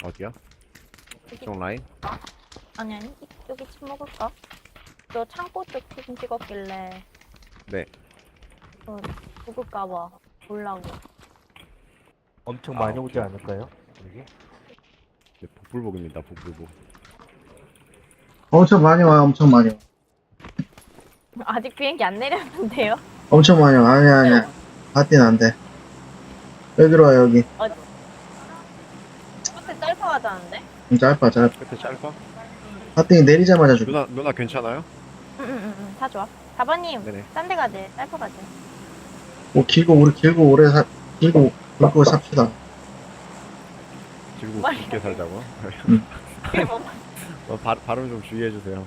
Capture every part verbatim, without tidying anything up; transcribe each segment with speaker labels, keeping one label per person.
Speaker 1: 어디야?
Speaker 2: 여기,
Speaker 1: 이쪽 라인?
Speaker 2: 아니 아니 이- 여기 침 먹을까? 너 창고 쪽 사진 찍었길래
Speaker 1: 네.
Speaker 2: 어, 죽을까봐 보려고.
Speaker 3: 엄청
Speaker 1: 아,
Speaker 3: 많이 오지
Speaker 1: 오케이.
Speaker 3: 않을까요? 여기?
Speaker 1: 네, 복불복입니다. 복불복.
Speaker 4: 엄청 많이 와요, 엄청 많이 와.
Speaker 2: 아직 비행기 안 내렸는데요?
Speaker 4: 엄청 많이 와. 아니야, 아니야. 바띠는 안 돼. 여기로 와, 여기.
Speaker 2: 끝에 짧아가자는데?
Speaker 4: 좀 짧아, 짧아.
Speaker 1: 끝에 짧아?
Speaker 4: 바띠 내리자마자 죽어.
Speaker 1: 누나 누나 괜찮아요?
Speaker 2: 응응응 다 좋아. 사번님
Speaker 1: 네네.
Speaker 2: 딴 데 가지 짧아 가지.
Speaker 4: 뭐, 길고, 우리 길고, 오래 사, 길고, 굵고 삽시다.
Speaker 1: 지금
Speaker 2: 빨리.
Speaker 1: 깊게 살자고.
Speaker 2: 그리고
Speaker 1: 어, 발, 발음 좀 주의해 주세요.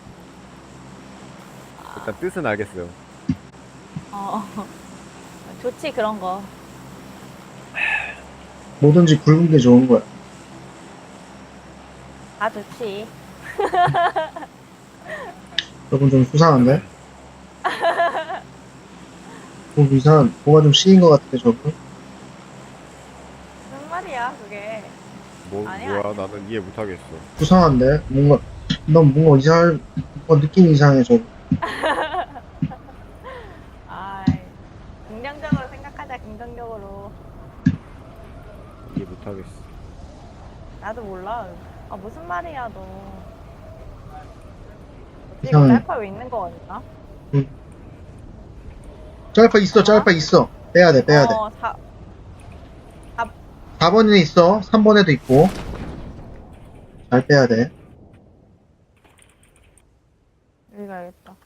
Speaker 1: 일단 뜻은 알겠어요.
Speaker 2: 어 좋지 그런 거.
Speaker 4: 뭐든지 굵은 게 좋은 거야.
Speaker 2: 다 좋지.
Speaker 4: 조금 좀 수상한데? 뭐 이상한, 뭐가 좀 씌인 것 같은데, 저거?
Speaker 2: 무슨 말이야 그게.
Speaker 1: 뭐
Speaker 2: 아니야,
Speaker 1: 뭐야? 나는 이해 못 하겠어.
Speaker 4: 수상한데? 뭔가, 넌 뭔가 이상할, 뭔가 느낌이 이상해, 저거.
Speaker 2: 아이 긍정적으로 생각하자 긍정적으로.
Speaker 1: 이해 못 하겠어.
Speaker 2: 나도 몰라. 아 무슨 말이야 너. 어찌
Speaker 4: 이상해.
Speaker 2: 짧아 왜 있는 거 같나?
Speaker 4: 짧아 있어, 짧아 있어. 빼야 돼, 빼야 돼.
Speaker 2: 어, 사,
Speaker 4: 사 번에 있어. 삼 번에도 있고. 잘 빼야 돼.
Speaker 2: 여기 가야겠다.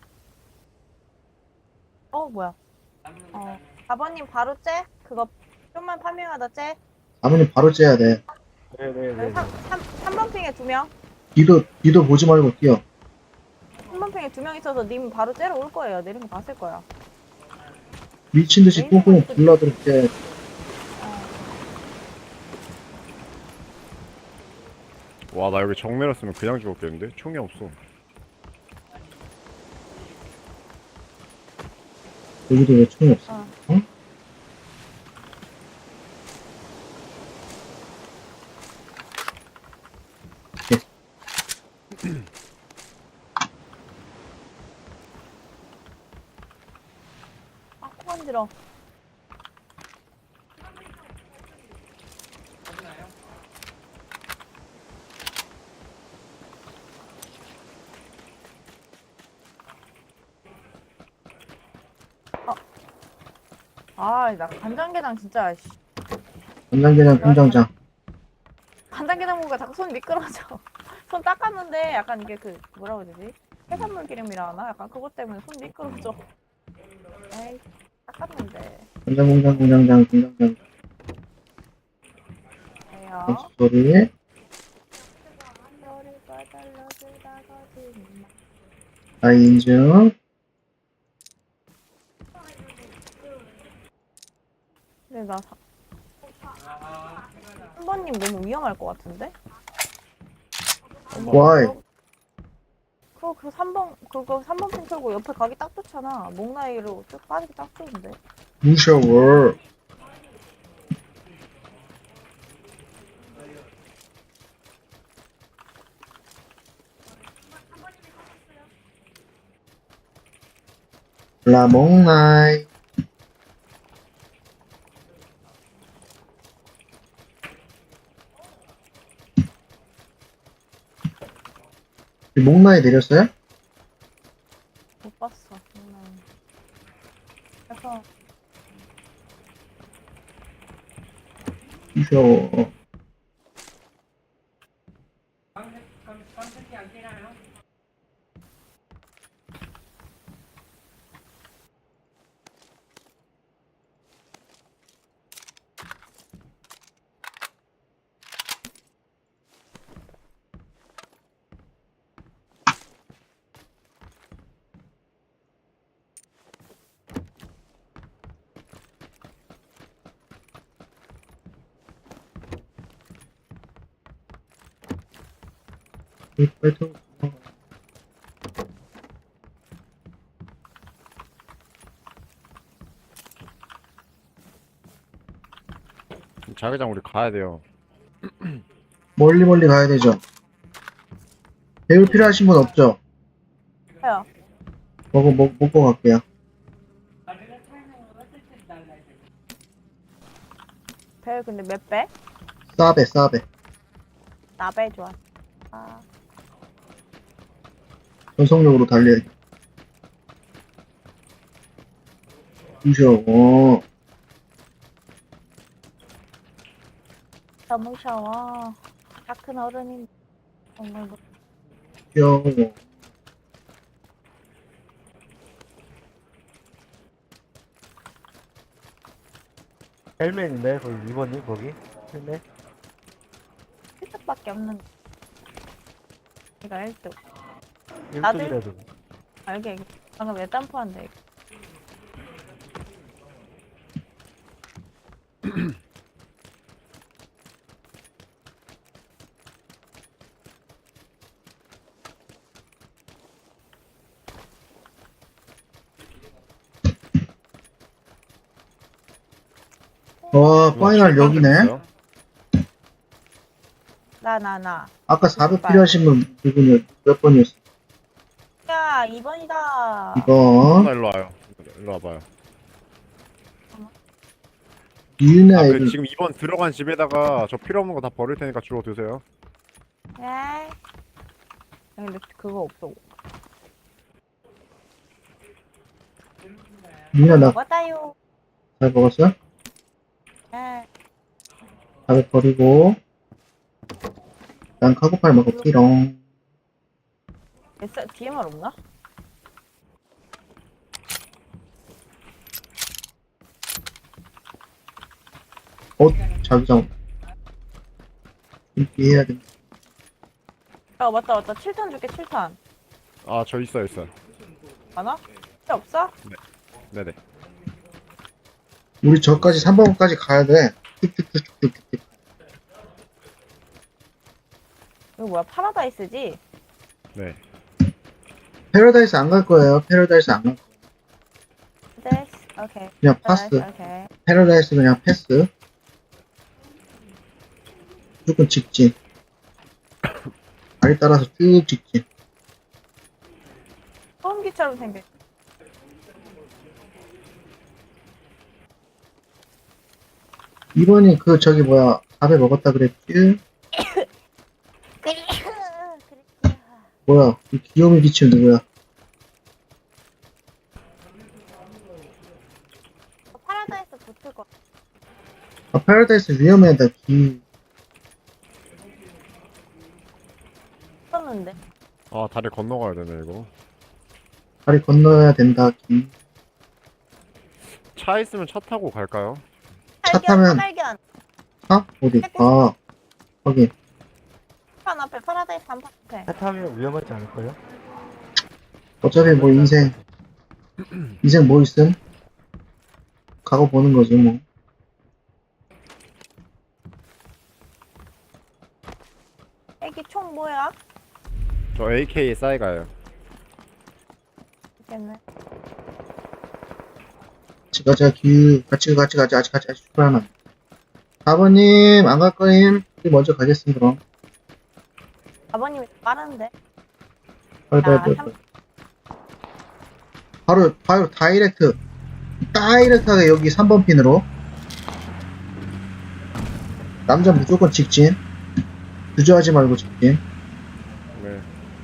Speaker 2: 어, 뭐야. 어, 사 번님 바로 째? 그거 좀만 파밍하다 째?
Speaker 4: 사 번이 바로 째야 돼.
Speaker 3: 네네네.
Speaker 2: 여기 삼, 삼, 삼 번 핑에 두 명?
Speaker 4: 뒤도, 뒤도 보지 말고 뛰어.
Speaker 2: 삼 번 핑에 두 명 있어서 님 바로 째러 올 거예요. 내리면 봤을 거야.
Speaker 4: 미친 듯이 꽁꽁 불러들게.
Speaker 1: 와, 나 여기 정면이었으면 그냥 죽었겠는데? 총이 없어.
Speaker 4: 여기도 왜 총이 없어?
Speaker 2: 어.
Speaker 4: 응?
Speaker 2: 아, 코 간지러. 어. 아, 나 간장게장 진짜, 씨.
Speaker 4: 간장게장 김장장.
Speaker 2: 간장게장 먹으니까 자꾸 손 미끄러져. 손 닦았는데 약간 이게 그, 뭐라고 해야 되지? 해산물 기름이라 하나? 약간 그것 때문에 손 미끄러져. 에이, 닦았는데.
Speaker 4: 간장공장 공장장 김장장.
Speaker 2: 왜요?
Speaker 4: 무슨 소리?
Speaker 2: 머리가 잘라주다가지.
Speaker 4: 나 인증.
Speaker 2: 근데 나 사... 한 번님 너무 위험할 것 같은데?
Speaker 4: Why?
Speaker 2: 그거 그 삼 번 그거 삼 번 핀 털고 옆에 가기 딱 좋잖아. 목라이로 쭉 빠지기 딱 좋은데.
Speaker 4: 무서워. 라몽나이. 목나이 내렸어요?
Speaker 2: 못 봤어. 목라이. 그래서
Speaker 4: 무서워. 빨리 타고 도망가.
Speaker 1: 자기장 우리 가야 돼요.
Speaker 4: 멀리 멀리 가야 되죠. 배울 필요하신 분 없죠?
Speaker 2: 해요.
Speaker 4: 먹어, 먹, 먹고 갈게요.
Speaker 2: 배 근데 몇 배?
Speaker 4: 싸배, 싸배.
Speaker 2: 나배 좋아. 아,
Speaker 4: 전속력으로 달려야 돼. 무셔, 어.
Speaker 2: 너무 샤워. 다 큰 어른인 정말 뭐-
Speaker 4: 귀여워.
Speaker 3: 헬멧인데 거기 이 번님 거기 헬멧.
Speaker 2: 필수밖에 없는. 내가 일 등. 나도-
Speaker 3: 일 등이라도.
Speaker 2: 알게. 알게. 방금 왜 땀포한데? 이거.
Speaker 4: 와, 파이널 여기네.
Speaker 2: 나, 나, 나.
Speaker 4: 아까 사백 필요하신 분 누구냐, 몇 번이었어?
Speaker 2: 야, 이 번이다.
Speaker 4: 이번.
Speaker 1: 하나 일로 와요. 일로 와봐요.
Speaker 4: 유나
Speaker 1: 아, 그
Speaker 4: 애들.
Speaker 1: 지금 이 번 들어간 집에다가 저 필요 없는 거 다 버릴 테니까 주워 드세요.
Speaker 2: 네. 야, 근데 그거 없어.
Speaker 4: 유나 나
Speaker 2: 먹었다요.
Speaker 4: 잘 먹었어?
Speaker 2: 네.
Speaker 4: 사백 버리고. 난 카고팔 먹었지롱.
Speaker 2: 에스, 디엠알 없나?
Speaker 4: 어, 자기장. 이렇게 해야 돼.
Speaker 2: 아, 맞다, 맞다. 칠 탄 줄게, 칠 탄.
Speaker 1: 아, 저 있어요, 있어요.
Speaker 2: 많아? 필요 없어?
Speaker 1: 네네.
Speaker 4: 우리 저까지 삼 번까지 가야 돼. 뚝뚝뚝뚝뚝뚝.
Speaker 2: 이거 뭐야, 파라다이스지?
Speaker 1: 네.
Speaker 4: 패러다이스 안 갈 거예요. 패러다이스 안 갈 거예요.
Speaker 2: 네, 오케이.
Speaker 4: 그냥 파스.
Speaker 2: 오케이.
Speaker 4: 패러다이스 그냥 패스. 무조건 직진. 다리 따라서 쭉 직진.
Speaker 2: 소음기처럼 생겼.
Speaker 4: 이번이 그 저기 뭐야 밥에 먹었다 그랬지? 뭐야 이 귀요미 기침 누구야?
Speaker 2: 파라다이스 붙을 거.
Speaker 4: 아 패러다이스 위험하다. 기
Speaker 2: 썼는데.
Speaker 1: 아, 다리 건너가야 되네, 이거.
Speaker 4: 다리 건너야 된다. 기
Speaker 1: 차 있으면 차 타고 갈까요?
Speaker 4: 차
Speaker 2: 발견,
Speaker 4: 타면-
Speaker 2: 발견.
Speaker 4: 아 어디? 아 거기
Speaker 2: 판 앞에 파라다이스 한 판 앞에.
Speaker 3: 차 타면 위험하지 않을까요?
Speaker 4: 어차피 뭐 인생 인생 뭐 있음? 가고 보는 거지 뭐.
Speaker 2: 애기 총 뭐야?
Speaker 1: 저 에이케이 싸이가요.
Speaker 2: 있겠네.
Speaker 4: 같이 가자 기 같이 같이 가자 같이 같이 같이 출발하나. 사 번님 안 갈 거임? 우리 먼저 가겠습니다. 그럼.
Speaker 2: 아버님이 빠른데.
Speaker 4: 빨리 빨리
Speaker 2: 야,
Speaker 4: 빨리.
Speaker 2: 삼-
Speaker 4: 빨리. 바로 바로 다이렉트 다이렉트하게 여기 삼 번 핀으로. 남자 무조건 직진. 주저하지 말고 직진.
Speaker 1: 네.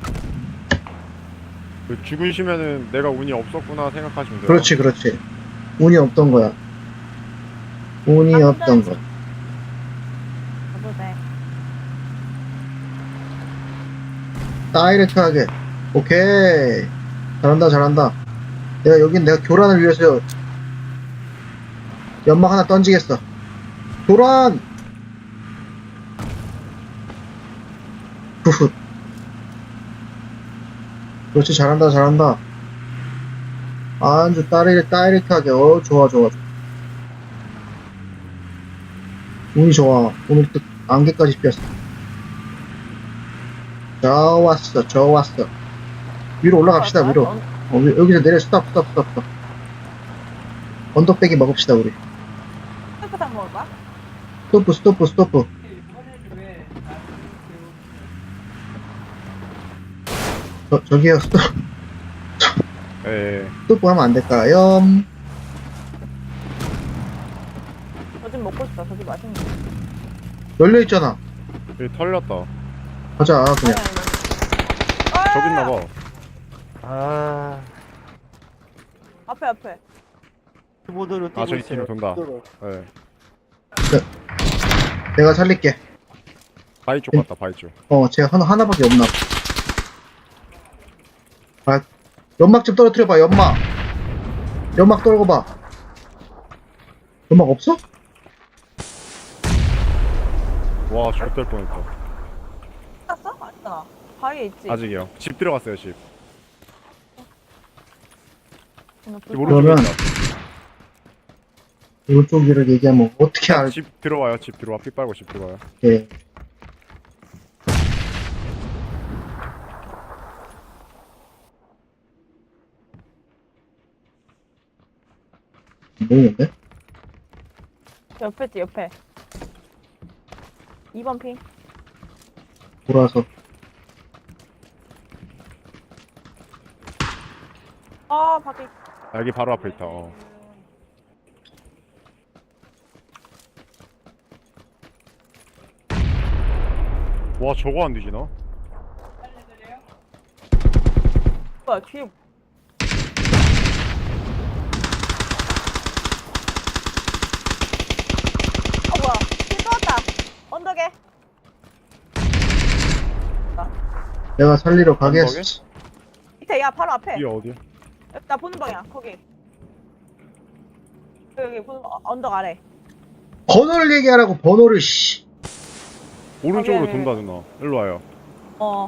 Speaker 1: 그 죽으시면은 내가 운이 없었구나 생각하시면 돼요.
Speaker 4: 그렇지 그렇지. 운이 없던 거야. 운이
Speaker 2: 아,
Speaker 4: 없던
Speaker 2: 혼자지.
Speaker 4: 거.
Speaker 2: 저도 돼.
Speaker 4: 다이렉트하게. 오케이. 잘한다 잘한다. 내가 여긴 내가 교란을 위해서 연막 하나 던지겠어. 교란. 후훗. 그렇지 잘한다 잘한다. 아주 다이렉, 다이렉트하게. 어 좋아 좋아. 운이 좋아. 오늘 또 안개까지 피었어. 좋았어 좋았어. 위로 올라갑시다 위로.
Speaker 2: 언-
Speaker 4: 어, 위- 여기서 내려 스탑 스탑 스탑 스탑. 언덕배기 먹읍시다 우리.
Speaker 2: 스프 다 먹을 거야?
Speaker 4: 스토프 스토프 스토프. 저, 저기요, 스톱,
Speaker 1: 예.
Speaker 4: 스톱 하면 안 될까요?
Speaker 2: 저 집 먹고 싶다. 저 집 맛있는 거.
Speaker 4: 열려있잖아.
Speaker 1: 여기 털렸다.
Speaker 4: 가자,
Speaker 2: 아니
Speaker 4: 그냥.
Speaker 2: 아니. 아!
Speaker 1: 저기 있나봐.
Speaker 3: 아,
Speaker 2: 앞에 앞에.
Speaker 3: 키보드로 뛰고
Speaker 1: 아, 저기
Speaker 3: 있어요.
Speaker 1: 뒤로 돈다.
Speaker 3: 키보드로.
Speaker 1: 예.
Speaker 4: 내가 살릴게.
Speaker 1: 바위 쪽 갔다, 바위 쪽.
Speaker 4: 어, 쟤 하나, 하나밖에 없나 봐. 아, 연막 좀 떨어뜨려봐, 연막. 연막 떨궈봐. 연막 없어?
Speaker 1: 와, 죽될 뻔했다.
Speaker 2: 샀어? 아니잖아. 바위에 있지.
Speaker 1: 아직이요. 집 들어갔어요, 집.
Speaker 2: 오늘
Speaker 1: 집
Speaker 2: 불-
Speaker 1: 오른쪽에
Speaker 4: 그러면-
Speaker 1: 있다.
Speaker 4: 이쪽이를 얘기하면 어떻게 알게.
Speaker 1: 집 들어와요, 집 들어와. 피 빨고 집 들어와요.
Speaker 4: 모르는데?
Speaker 2: 옆에 있지 옆에. 이 번 핑.
Speaker 4: 돌아서.
Speaker 2: 아 밖에.
Speaker 1: 아, 여기 바로 앞에 있다. 어. 와, 저거 안 뒤지나?
Speaker 2: 뭐야 뒤에. 어 뭐야. 피 떴다. 언덕에.
Speaker 4: 내가 살리러 가겠어.
Speaker 2: 밑에 야 바로 앞에.
Speaker 1: 이게 어디야?
Speaker 2: 여기 나 보는 방향 거기. 여기 보는 방- 언덕 아래.
Speaker 4: 번호를 얘기하라고, 번호를, 씨.
Speaker 1: 오른쪽으로
Speaker 2: 아, 네, 네.
Speaker 1: 돈다, 누나. 일로 와요.
Speaker 2: 어.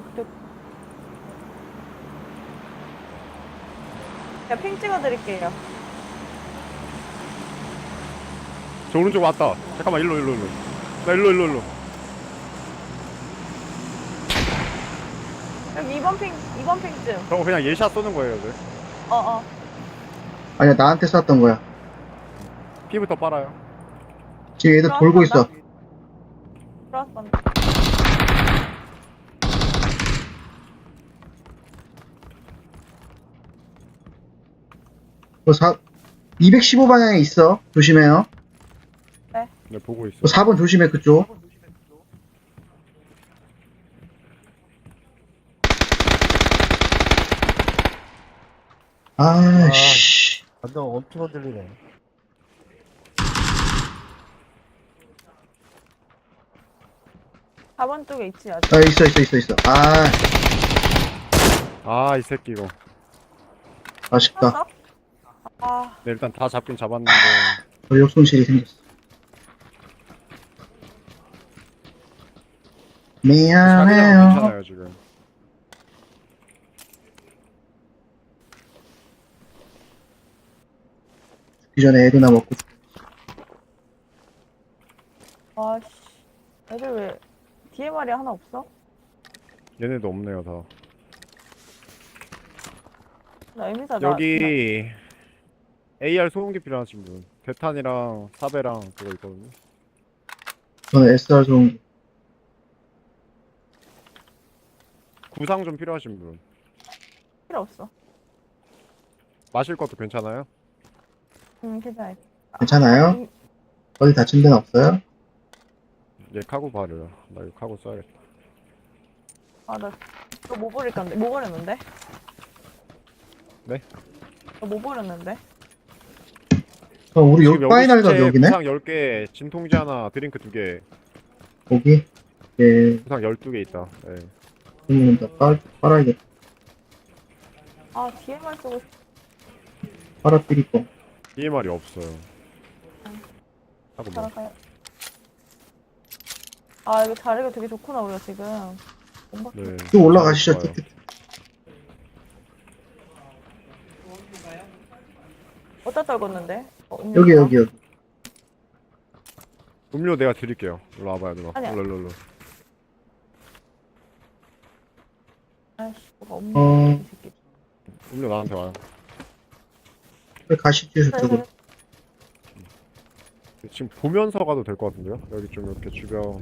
Speaker 2: 야 핑 찍어드릴게요.
Speaker 1: 저 오른쪽 왔다. 잠깐만, 일로, 일로, 일로. 나 일로, 일로, 일로.
Speaker 2: 여기 이 번 핑 이 번 핑쯤.
Speaker 1: 저거 그냥 예샷 쏘는 거예요, 이제.
Speaker 2: 어어.
Speaker 4: 아니야, 나한테 쐈던 거야.
Speaker 1: 피부터 빨아요.
Speaker 4: 지금 얘들 돌고 있어.
Speaker 2: 들어왔어.
Speaker 4: 그 사, 이백십오 방향에 있어. 조심해요.
Speaker 1: 네, 보고 있어.
Speaker 4: 그 사 번 조심해, 그쪽. 아, 씨.
Speaker 3: 완전 엄청 흔들리네.
Speaker 2: 사 번 쪽에 있지 아직.
Speaker 4: 아, 있어, 있어, 있어, 있어. 아,
Speaker 1: 아, 이 새끼 이거.
Speaker 4: 아쉽다.
Speaker 2: 떴어? 아
Speaker 1: 네, 일단 다 잡긴 잡았는데.
Speaker 4: 전력 손실이 생겼어.
Speaker 1: 자기장은
Speaker 4: 미안해요.
Speaker 1: 괜찮아요, 지금.
Speaker 4: 그 전에 애도나 먹고.
Speaker 2: 아씨. 애들 왜 디엠알이 하나 없어?
Speaker 1: 얘네도 없네요, 다.
Speaker 2: 나 에미사 나.
Speaker 1: 여기 에이알 소음기 필요하신 분. 대탄이랑 사배랑 그거 있거든요.
Speaker 4: 저는 에스알 좀
Speaker 1: 구상 좀 필요하신 분.
Speaker 2: 필요 없어.
Speaker 1: 마실 것도 괜찮아요?
Speaker 2: 응 괜찮아.
Speaker 4: 괜찮아요?
Speaker 2: 음,
Speaker 4: 어디 다친 데는 없어요?
Speaker 1: 얘 카고 바르요. 나 이거 카고 써야겠다.
Speaker 2: 아나 이거 뭐 버릴 건데? 뭐 버렸는데?
Speaker 1: 네?
Speaker 2: 나뭐 버렸는데?
Speaker 4: 어, 우리
Speaker 1: 지금
Speaker 4: 요 파이널가
Speaker 1: 시체
Speaker 4: 여기네?
Speaker 1: 구상 열 개, 진통제 하나, 드링크 두 개.
Speaker 4: 거기? 예,
Speaker 1: 구상 열두 개 있다. 예.
Speaker 4: 그러면 나 빨, 빨아야겠다.
Speaker 2: 아 디엠알 쓰고 싶.
Speaker 4: 빨아뜨릴 거.
Speaker 1: 디엠알이 없어요. 하고 뭐.
Speaker 2: 살아가요. 아 이거 자리가 되게 좋구나 우리가 지금. 뭔가
Speaker 1: 네.
Speaker 4: 쭉 올라가시죠.
Speaker 1: 좋아요.
Speaker 2: 어디다 떨궜는데? 어, 음료수가?
Speaker 4: 여기, 여기, 여기.
Speaker 1: 음료 내가 드릴게요. 일로 와봐요, 누나.
Speaker 2: 아니야.
Speaker 1: 일로, 일로, 일로.
Speaker 2: 아이씨 뭐가 없네.
Speaker 4: 어.
Speaker 2: 이 새끼.
Speaker 1: 음료 나한테 와요.
Speaker 4: 여기 가시죠, 저쪽으로.
Speaker 1: 지금 보면서 가도 될 것 같은데요? 여기 좀 이렇게 주변.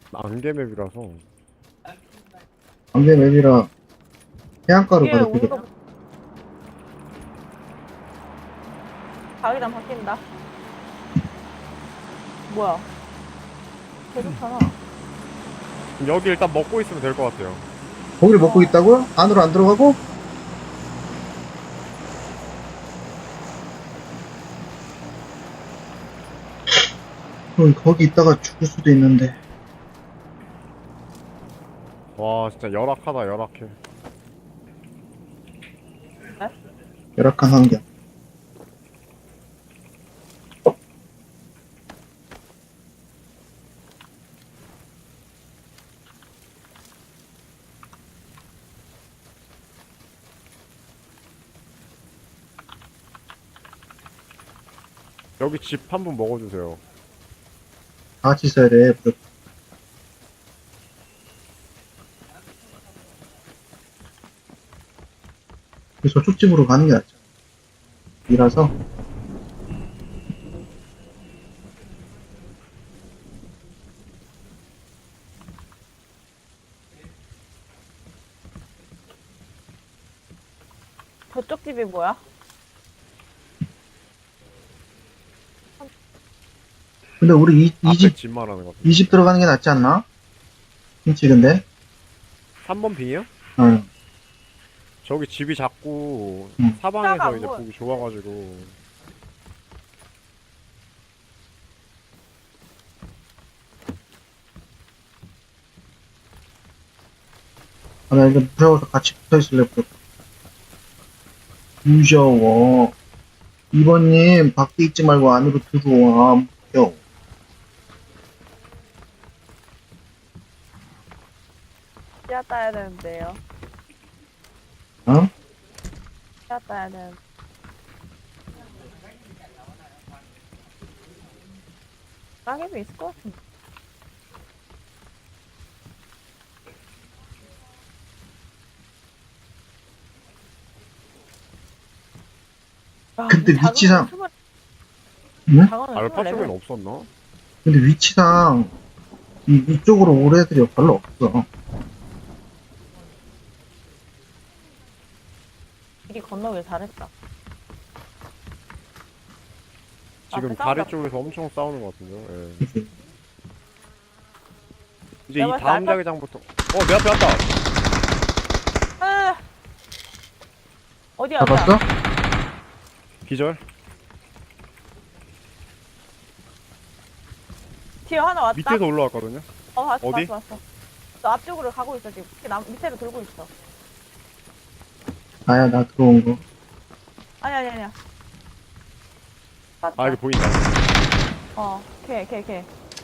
Speaker 1: 안개맵이라서.
Speaker 4: 안개 맵이라 해안가로
Speaker 2: 위에
Speaker 4: 가도
Speaker 2: 오는
Speaker 4: 되겠다.
Speaker 2: 거. 자기랑 바뀐다. 뭐야? 계속하나?
Speaker 1: 여기 일단 먹고 있으면 될 것 같아요.
Speaker 4: 고기를 먹고 있다고요? 안으로 안 들어가고? 그럼 거기 있다가 죽을 수도 있는데.
Speaker 1: 와 진짜 열악하다 열악해.
Speaker 4: 열악한 환경.
Speaker 1: 여기 집 한 번 먹어주세요.
Speaker 4: 다 같이 있어야 돼. 무조건. 저쪽 집으로 가는 게 낫죠. 이라서
Speaker 2: 저쪽 집이 뭐야?
Speaker 4: 근데 우리 이,
Speaker 1: 앞에
Speaker 4: 이 집,
Speaker 1: 집 말하는 것 같아.
Speaker 4: 이 집 들어가는 게 낫지 않나? 김치 근데?
Speaker 1: 삼 번 빙이요?
Speaker 4: 응.
Speaker 1: 저기 집이 자꾸
Speaker 4: 음.
Speaker 1: 사방에서
Speaker 2: 차가
Speaker 1: 이제
Speaker 2: 뭐-
Speaker 1: 보기 좋아가지고.
Speaker 4: 아, 나 이제 무서워서 같이 붙어 있을래, 무조건. 무서워. 이번님, 밖에 있지 말고 안으로 들어와. 무서워.
Speaker 2: 씨앗 따야 되는데요.
Speaker 4: 어?
Speaker 2: 씨앗 따야 되는. 따개비 있을 것 같은데. 야,
Speaker 4: 근데
Speaker 2: 이 작은
Speaker 4: 위치상-
Speaker 2: 건 스물-
Speaker 4: 응?
Speaker 2: 작은 건
Speaker 1: 알파
Speaker 2: 스물네
Speaker 1: 쪽엔
Speaker 2: 명.
Speaker 1: 없었나?
Speaker 4: 근데 위치상, 이, 이쪽으로 올 애들이 별로 없어.
Speaker 2: 길이 건너길 잘했다.
Speaker 1: 지금
Speaker 2: 앞에
Speaker 1: 다리
Speaker 2: 싸운다.
Speaker 1: 쪽에서 엄청 싸우는 것 같은데요. 예.
Speaker 4: 그치?
Speaker 1: 이제 이
Speaker 2: 내가 봤을 때
Speaker 1: 다음
Speaker 2: 알파-
Speaker 1: 자기장부터. 어, 내 앞에 왔다.
Speaker 2: 아! 어디야, 어디야?
Speaker 4: 잡았어?
Speaker 1: 기절.
Speaker 2: 뒤에 하나 왔다.
Speaker 1: 밑에서 올라왔거든요.
Speaker 2: 어, 왔어,
Speaker 1: 어디?
Speaker 2: 왔어, 왔어. 너 앞쪽으로 가고 있어, 지금. 이렇게 남, 밑으로 돌고 있어.
Speaker 4: 나야, 나 들어온 거.
Speaker 2: 아니, 아니, 아니야.
Speaker 1: 아, 여기 보인다.
Speaker 2: 어, 걔, 걔, 걔.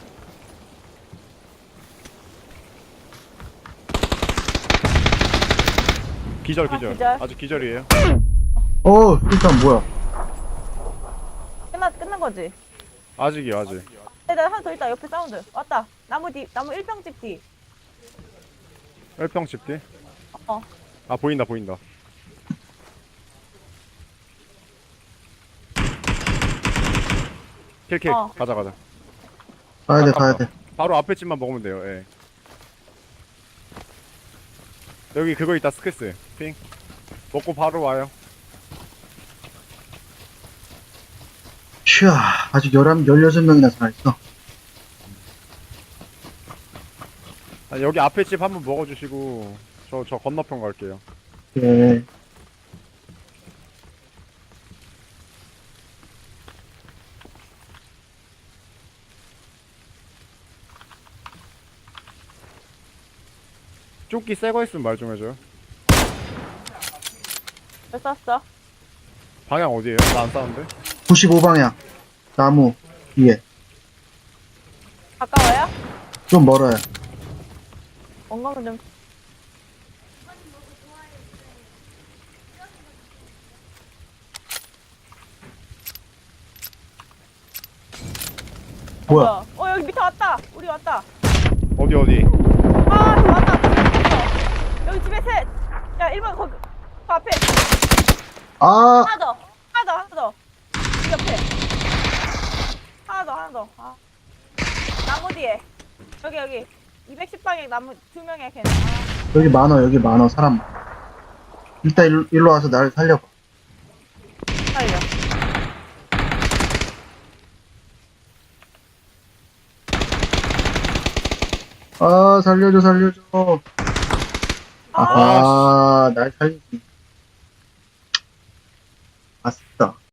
Speaker 1: 기절,
Speaker 2: 아,
Speaker 1: 기절.
Speaker 2: 기절.
Speaker 1: 아직 기절이에요.
Speaker 4: 어, 일단 뭐야.
Speaker 2: 끝나, 끝난 거지?
Speaker 1: 아직이요, 아직.
Speaker 2: 나 하나 더 있다, 옆에 사운드. 왔다. 나무 뒤, 나무 일 평집 뒤.
Speaker 1: 일평 집 뒤.
Speaker 2: 어.
Speaker 1: 아, 보인다, 보인다. 킬킬.
Speaker 2: 어.
Speaker 1: 가자, 가자.
Speaker 4: 가야 돼,
Speaker 1: 아깝다.
Speaker 4: 가야 돼.
Speaker 1: 바로 앞에 집만 먹으면 돼요. 예. 여기 그거 있다, 스크스. 핑. 먹고 바로 와요.
Speaker 4: 휴, 아직 열한, 열여섯 명이나 살아있어.
Speaker 1: 아니, 여기 앞에 집 한번 먹어주시고 저 저 건너편 갈게요.
Speaker 4: 그래.
Speaker 1: 조끼 새거 있으면 말 좀 해줘요.
Speaker 2: 왜 쐈어?
Speaker 1: 방향 어디에요? 나 안 싸는데?
Speaker 4: 구십오 방향. 나무 위에.
Speaker 2: 가까워요?
Speaker 4: 좀 멀어요.
Speaker 2: 원검은 좀.
Speaker 4: 뭐야?
Speaker 2: 어, 어, 여기 밑에 왔다. 우리 왔다.
Speaker 1: 어디 어디?
Speaker 2: 아, 저기 왔다. 어. 여기 집에 셋. 야, 일 번 거기. 그 앞에.
Speaker 4: 아,
Speaker 2: 하나 더. 하나 더, 하나 더. 이 옆에. 하나 더, 하나 더. 아. 나무 뒤에. 여기, 여기. 이백십 방에 남은 두 명의 걔는. 아,
Speaker 4: 여기 많어, 여기 많어, 사람. 일단 일로, 일로 와서 나를 살려봐.
Speaker 2: 살려.
Speaker 4: 아, 살려줘, 살려줘.
Speaker 2: 아,
Speaker 4: 아하, 날 살리지. 아싸.